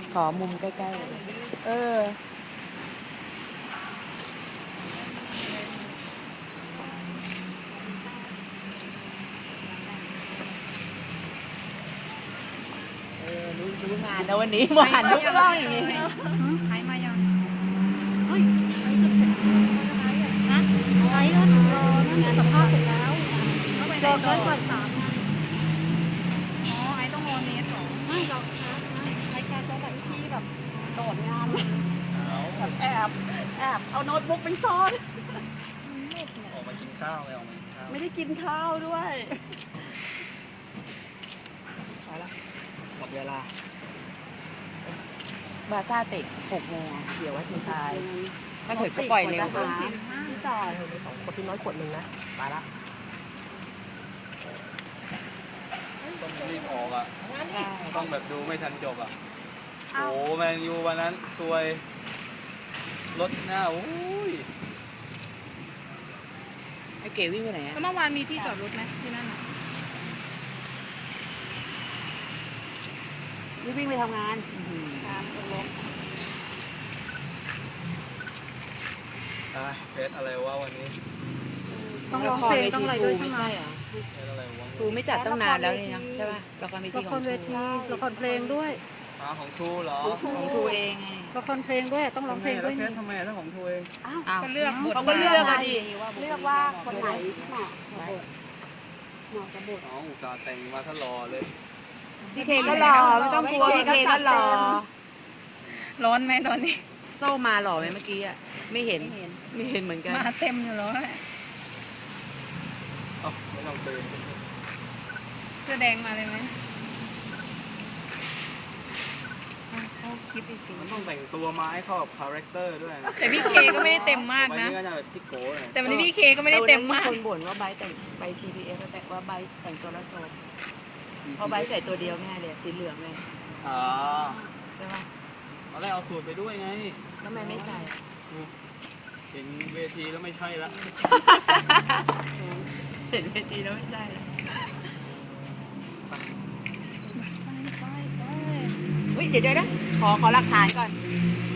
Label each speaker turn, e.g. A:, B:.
A: ขอมุมใกล้ๆเลยเออรู้งานแล้ววันนี้มาหันทุกรอบอย่างนี้
B: หายมายังเฮ้ยไอ้เกือบเสร็จนะไอ้ก็รอนั่นสัมภาษณ์เสร็จแล้วรอเกินก่อน3 งานอ๋อไอ้ต้องรอเนสหรอไม่หรอกนะไอ้แกจะแบบที่แบบโดดงานแบบแอบเอาโน้ตบุ๊กไปซ่อน
C: ออกมากินข้าวไงออกมากินข้าว
B: ไม่ได้กินข้าวด้วย
C: ไปละหมดเวลา
A: บาซ่าเตะ6 โมงเดี๋ยวว่าทีทายถ้าเกิดก็ปล่อยเร็ว
B: พี่จ่าย2 คนพี่น้อยขวดนึงนะไปละ
C: ต้องรีบออกอ่ะ
A: ใช่
C: ต้องแบบดูไม่ทันจบอ่ะโอ้แมนยูวันนั้นซวยรถหน้าโอ้ย
A: ไอ้เก๋วิ่งไปไหนอะ
B: แล้วเมื่อวานมีที่จอดรถไหมที่นั่นอ่ะ
A: นี่วิ่งไปทำงาน
B: การตกลง
C: เพชรอะไรวะวันนี้
B: ต้องร้องเพลงต้องอะไรด้วยใช่ไหม
A: เหรอ
C: เพชรอะไรวะ
A: ครูไม่จัดตั้งนานแล้วนี่นะใช่ป่ะละครเวที
B: ละ
A: ข
B: ค
A: อง
B: ร
A: ค
B: เว
A: รู
B: ทีละครเพลงด้วย
C: ของทูเหรอ
A: ของครูเองไง
B: ละครเพลงด้วยต้องร้องเพลงด้วย
C: เพ
B: นี่
C: ชรทำไมถ้าของทูเอง
A: อ้าว
B: ก็เลือกบท
A: เขาก็เลือกอะดิ
B: เลือกว่าคนไหนเหมาะกับบทเหมาะกับบท
C: น้องอุตส่าห์แต่งมาถ้ารอเลย
A: พี่เคก็รอไม่ต้องกลัวพี่เคก็รอ
B: ร้อนไหมตอนนี้
A: โซ่มาหล่อไหมเมื่อกี้อะไม่เห็นเหมือนกัน
B: มาเต็มอยู่แล้ว
C: เอ้าไม่ต้องซื้อ
B: เสื้อแดงมาเลยไหมเข้าคลิปอีกที
C: มันต้องแต่งตัวมาให้เข้ากับคาแรคเตอร์ด้วยนะ
B: แต่พี่เคก็ไม่ได้เต็มมาก
C: วัน
B: นะ
C: นี้ก็จะแบบจิ๊กโก้เลย
B: แต่วันนี้พี่เคก็ไม่ได้เต็มมาก
A: คนบ่นว่าใบแต่งใบ CPF แต่ว่าใบแต่งตัวละโซมเพราะใบใส่ตัวเดียวง่ายเลยสีเหลืองเลย
C: อ๋อ
A: ใช่ป่ะ
C: ตอนแรกเอาสูตรไปด้วยไง
A: แล้วทำไมไม่ใส่
C: เห็นเวทีแล้วไม่ใช่ละ
A: เห็นเวทีแล้วไม่ใช่ละอุ้ยเดี๋ยวนะขอหลักฐานก่อน